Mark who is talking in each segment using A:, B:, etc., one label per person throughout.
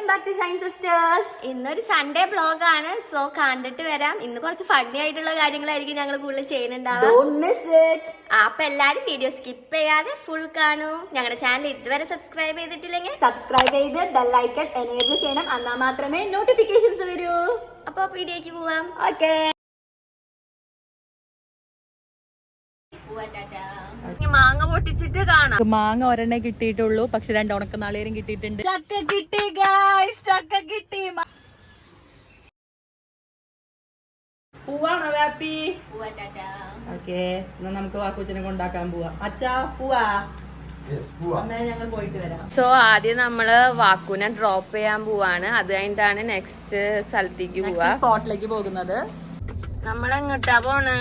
A: Back to shine sisters. ഇന്നൊരു Sunday vlog ആണ്. So കണ്ടിട്ട് വരാം. ഇന്ന് കുറച്ച് ഫണ്ണി ആയിട്ടുള്ള കാര്യങ്ങളായിരിക്കും ഞങ്ങൾ കൂടുതൽ ചെയ്യുന്നുണ്ടാവുക. അപ്പൊ എല്ലാരും വീഡിയോ സ്കിപ്പ് ചെയ്യാതെ ഫുൾ കാണൂ. ഞങ്ങളുടെ ചാനൽ ഇതുവരെ സബ്സ്ക്രൈബ് ചെയ്തിട്ടില്ലെങ്കിൽ
B: സബ്സ്ക്രൈബ് ചെയ്ത് ബെൽ ഐക്കൺ എനേബിൾ ചെയ്യണം. എന്നാൽ മാത്രമേ നോട്ടിഫിക്കേഷൻസ് വരൂ.
A: അപ്പൊ വീഡിയോക്ക് പോവാം.
B: ഓക്കെ.
A: മാങ്ങ പൊട്ടിച്ചിട്ട് കാണാം.
C: മാങ്ങ ഒരെണ്ണേ കിട്ടിയിട്ടുള്ളൂ, പക്ഷെ 2 ഉണക്ക നാളികേരം കിട്ടിയിട്ടുണ്ട്. ചക്ക കിട്ടി ഗായ്സ്, ചക്ക കിട്ടി. പൂവാണോ വാപ്പി? ഓക്കെ, എന്നാ നമുക്ക് വാക്കുച്ചിനെ കൊണ്ടാക്കാൻ പോവാ. അച്ഛാ പോവാ. ഞങ്ങൾ പോയിട്ട് വരാം.
A: സോ ആദ്യം നമ്മള് വാക്കുനെ ഡ്രോപ്പ് ചെയ്യാൻ പോവാണ്. അത് കഴിഞ്ഞിട്ടാണ് നെക്സ്റ്റ് സ്ഥലത്തേക്ക് പോവാ.
C: സ്പോട്ടിലേക്ക് പോകുന്നത്.
A: നമ്മളെങ്ങോട്ടാ പോണ്?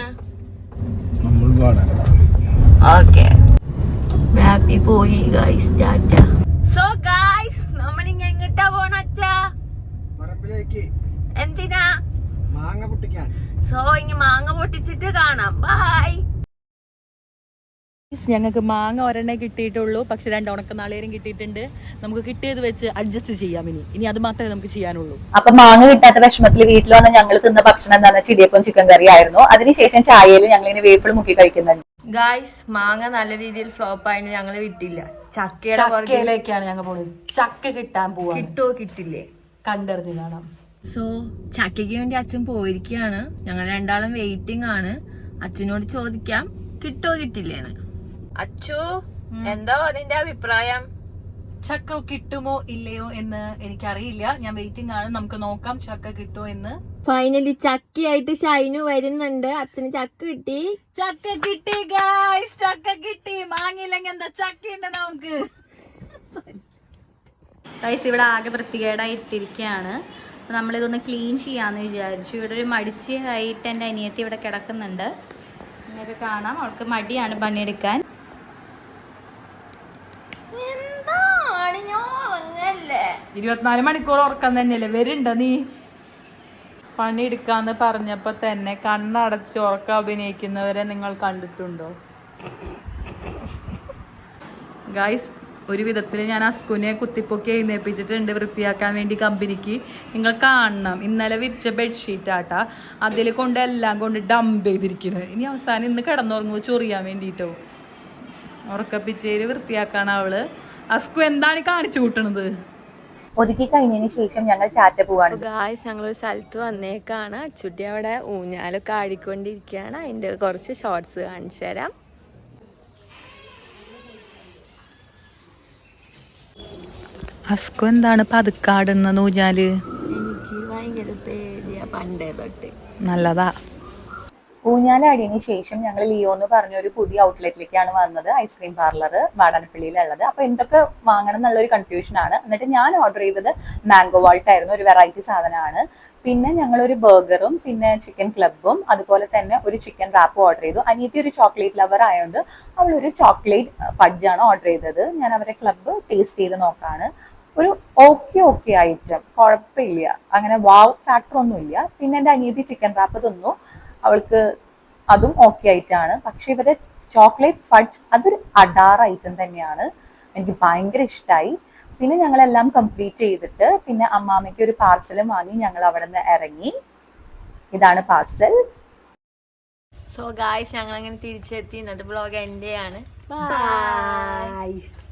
A: ഓക്കെ, ഹാപ്പി പോയി ഗൈസ്. ടാറ്റ. സോ ഗൈസ്, നമ്മൾ ഇനി എങ്ങോട്ടാ പോണ അച്ഛാ?
D: പറമ്പിലേക്ക്.
A: എന്തിനാ?
D: മാങ്ങ പൊട്ടിക്കാൻ.
A: സോ ഇനി മാങ്ങ പൊട്ടിച്ചിട്ട് കാണാം. ബൈ.
C: ഞങ്ങൾക്ക് മാങ്ങ ഒരെണ്ണേ കിട്ടിയിട്ടുള്ളൂ, പക്ഷെ 2 ഉണക്ക നാളികേരം കിട്ടിയിട്ടുണ്ട്. നമുക്ക് കിട്ടിയത് വെച്ച് അഡ്ജസ്റ്റ് ചെയ്യാം. ഇനി അത് മാത്രമേ നമുക്ക് ചെയ്യാനുള്ളൂ.
B: അപ്പൊ മാങ്ങ കിട്ടാത്ത വിഷമത്തിൽ വീട്ടിൽ വന്ന് ഞങ്ങൾ തിന്ന ഭക്ഷണം എന്താണെന്ന് ചിടിയപ്പം ചിക്കൻ കറി ആയിരുന്നു. അതിനുശേഷം ചായയിൽ ഞങ്ങൾ ഇങ്ങനെ വേഫിൾ മുക്കി കഴിക്കുന്നുണ്ട്.
A: ഗായ്സ്, മാങ്ങ നല്ല രീതിയിൽ ഫ്ലോപ്പ് ആയിട്ട് ഞങ്ങള് വിട്ടില്ല.
C: ചക്കയിലേക്കാണ് ഞങ്ങൾ പോകുന്നത്. ചക്ക കിട്ടാൻ പോവാ.
A: കിട്ടോ കിട്ടില്ലേ
C: കണ്ടറിഞ്ഞ് കാണാം.
A: സോ ചക്കയ്ക്ക് വേണ്ടി അച്ഛൻ പോയിരിക്കുകയാണ്. ഞങ്ങൾ രണ്ടാളും വെയിറ്റിംഗ് ആണ്. അച്ഛനോട് ചോദിക്കാം കിട്ടോ കിട്ടില്ലേന്ന്. അച്ചു, എന്താ അതിന്റെ അഭിപ്രായം?
C: ചക്ക കിട്ടുമോ ഇല്ലയോ എന്ന് എനിക്കറിയില്ല. ഞാൻ വെയിറ്റിംഗ് ആണ്. നമുക്ക് നോക്കാം ചക്ക കിട്ടുമോ എന്ന്.
A: ഫൈനലി ചക്കയായിട്ട് ഷൈനു വരുന്നുണ്ട്. അച്ഛന് ചക്ക കിട്ടി.
C: ചക്ക കിട്ടി ഗായ്സ്, ചക്ക കിട്ടി. മാങ്ങിയില്ലെങ്കിൽ എന്താ, ചക്കയുണ്ട് നമുക്ക്.
E: ഗൈസ്, ഇവിടെ ആകെ വൃത്തികേടായിട്ടിരിക്കുകയാണ്. അപ്പോൾ നമ്മളിതൊന്ന് ക്ലീൻ ചെയ്യാമെന്ന് വിചാരിച്ചു. ഇവിടെ ഒരു മടിച്ചായിട്ട് എൻ്റെ അനിയത്തി ഇവിടെ കിടക്കുന്നുണ്ട്. നിങ്ങൾക്ക് കാണാം, അവൾക്ക് മടിയാണ് പണിയെടുക്കാൻ.
A: എന്താണ് ഞാൻ ഉറങ്ങല്ലേ?
C: 24 മണിക്കൂർ ഉറക്കം തന്നെയല്ലേ വരുന്നുണ്ട നീ? പണിയെടുക്കാന്ന് പറഞ്ഞപ്പോ തന്നെ കണ്ണടച്ച് ഉറക്കം അഭിനയിക്കുന്നവരെ നിങ്ങൾ കണ്ടിട്ടുണ്ടോ? ഗായ്സ്, ഒരു വിധത്തിൽ ഞാൻ അസ്കുനെ കുത്തിപ്പൊക്കി എഴുന്നേപ്പിച്ചിട്ടുണ്ട് വൃത്തിയാക്കാൻ വേണ്ടി കമ്പനിക്ക്. നിങ്ങൾ കാണണം, ഇന്നലെ വിരിച്ച ബെഡ്ഷീറ്റ് ആട്ടാ, അതിൽ കൊണ്ട് എല്ലാം കൊണ്ട് ഡംപ് ചെയ്തിരിക്കുന്നത്. ഇനി അവസാനം ഇന്ന് കിടന്നുറങ്ങുമ്പോൾ ചൊറിയാൻ വേണ്ടിയിട്ടോ. ഉറക്കപ്പിച്ചേര് വൃത്തിയാക്കാണ് അവള്. അസ്കു എന്താണ് കാണിച്ചു കൂട്ടണത്?
B: ഒതുക്കി കഴിഞ്ഞതിന് ശേഷം ഞങ്ങൾ ടാറ്റ പോവാണ്.
A: ഗായ്സ്, ഞങ്ങളൊരു സ്ഥലത്ത് വന്നേക്കാണ്. അച്ചുട്ടി അവിടെ ഊഞ്ഞാലൊക്കെ ആടിക്കൊണ്ടിരിക്കുകയാണ്. അതിന്റെ കുറച്ച് ഷോർട്സ് കാണിച്ചു തരാം.
C: അസ്കു എന്താണ് പതുക്കാടുന്ന ഊഞ്ഞാല്?
A: എനിക്ക് ഭയങ്കര പേടിയാ പണ്ടേ തൊട്ട്.
C: നല്ലതാ.
B: ഊഞ്ഞാലാടിയതിനു ശേഷം ഞങ്ങൾ ലിയോ എന്ന് പറഞ്ഞ ഒരു പുതിയ ഔട്ട്ലെറ്റിലേക്കാണ് വന്നത്. ഐസ്ക്രീം പാർലർ വാടാനപ്പള്ളിയിലുള്ളത്. അപ്പൊ എന്തൊക്കെ വാങ്ങണം എന്നുള്ളൊരു കൺഫ്യൂഷൻ ആണ്. എന്നിട്ട് ഞാൻ ഓർഡർ ചെയ്തത് മാംഗോ വാൾട്ട് ആയിരുന്നു. ഒരു വെറൈറ്റി സാധനമാണ്. പിന്നെ ഞങ്ങളൊരു ബർഗറും പിന്നെ ചിക്കൻ ക്ലബും അതുപോലെ തന്നെ ഒരു ചിക്കൻ റാപ്പും ഓർഡർ ചെയ്തു. അനിയത്തി ഒരു ചോക്ലേറ്റ് ലവർ ആയതുകൊണ്ട് അവളൊരു ചോക്ലേറ്റ് ഫഡ്ജാണ് ഓർഡർ ചെയ്തത്. ഞാൻ അവരെ ക്ലബ്ബ് ടേസ്റ്റ് ചെയ്ത് നോക്കാണ്. ഒരു ഓക്കെ ഐറ്റം, കുഴപ്പമില്ല, അങ്ങനെ വാവ് ഫാക്ടർ ഒന്നുമില്ല. പിന്നെ എൻ്റെ അനിയത്തി ചിക്കൻ റാപ്പ് തിന്നു. അവൾക്ക് അതും ഓക്കെ ആയിട്ടാണ്. പക്ഷെ ഇവരെ ചോക്ലേറ്റ് ഫഡ്ജ് അതൊരു അഡാർ ഐറ്റം തന്നെയാണ്. എനിക്ക് ഭയങ്കര ഇഷ്ടമായി. പിന്നെ ഞങ്ങളെല്ലാം കംപ്ലീറ്റ് ചെയ്തിട്ട് പിന്നെ അമ്മാമ്മയ്ക്ക് ഒരു പാർസലും വാങ്ങി ഞങ്ങൾ അവിടെ നിന്ന് ഇറങ്ങി. ഇതാണ് പാർസൽ.
A: സോ ഗായ്സ്, ഞങ്ങൾ അങ്ങനെ തിരിച്ചെത്തി. ഇന്നത്തെ ബ്ലോഗ് എൻ്റെ ആണ്. ബൈ.